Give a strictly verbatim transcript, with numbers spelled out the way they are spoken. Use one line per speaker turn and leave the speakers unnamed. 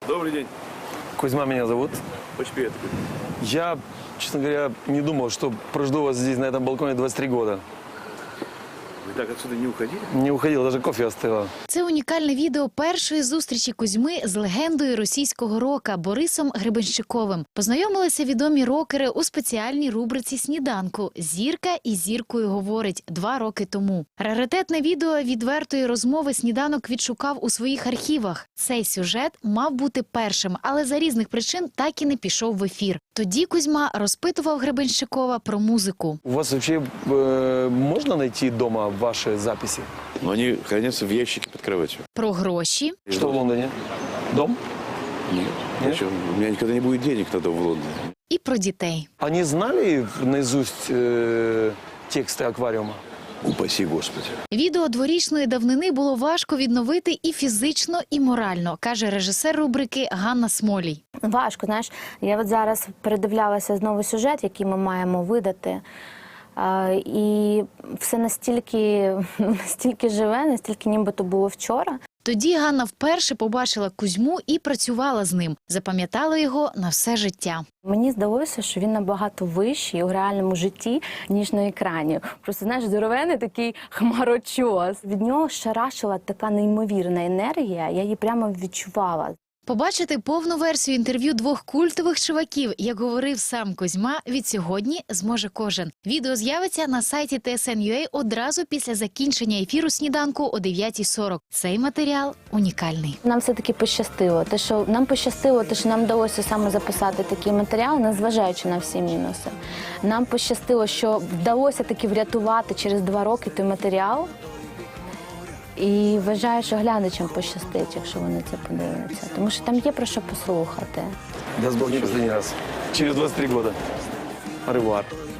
Добрый день.
Кузьма меня зовут.
Очень приятно.
Я, честно говоря, не думал, что прожду вас здесь, на этом балконе, двадцать три года.
Вы так отсюда не уходили?
Не уходил, даже кофе остыло.
Це унікальне відео першої зустрічі Кузьми з легендою російського рока Борисом Гребенщиковим. Познайомилися відомі рокери у спеціальній рубриці «Сніданку» «Зірка і зіркою говорить» два роки тому. Раритетне відео відвертої розмови «Сніданок» відшукав у своїх архівах. Цей сюжет мав бути першим, але за різних причин так і не пішов в ефір. Тоді Кузьма розпитував Гребенщикова про музику.
У вас вообще э, можно найти дома ваши записи?
Но они хранятся в ящике под кроватью.
Про гроші,
Что в Лондоне? Дом?
Нет.
Нет?
Зачем? У меня никогда не будет денег тогда в Лондоне.
і про дітей.
Они знали наизусть э, тексты аквариума?
Упаси Господи.
Відео дворічної давнини було важко відновити і фізично, і морально, каже режисер рубрики Ганна Смолій.
Важко, знаєш, я от зараз передивлялася знову сюжет, який ми маємо видати. А, і все настільки, настільки живе, настільки нібито було вчора.
Тоді Ганна вперше побачила Кузьму і працювала з ним. Запам'ятала його на все життя.
Мені здалося, що він набагато вищий у реальному житті, ніж на екрані. Просто, знаєш, здоровений такий хмарочос. Від нього шарашила така неймовірна енергія, я її прямо відчувала.
Побачити повну версію інтерв'ю двох культових чуваків, як говорив сам Кузьма, від сьогодні зможе кожен. Відео з'явиться на сайті Т С Н Ю А одразу після закінчення ефіру «Сніданку» о дев'ятій сорок. Цей матеріал унікальний.
Нам все-таки пощастило. Те, що нам пощастило, те, що нам вдалося саме записати такий матеріал, незважаючи на всі мінуси. Нам пощастило, що вдалося таки врятувати через два роки той матеріал. І вважаю, що глядачам пощастить, якщо вони це подивляться. Тому що там є про що послухати.
Даст Бог не последний раз. Через двадцать три года. Au revoir.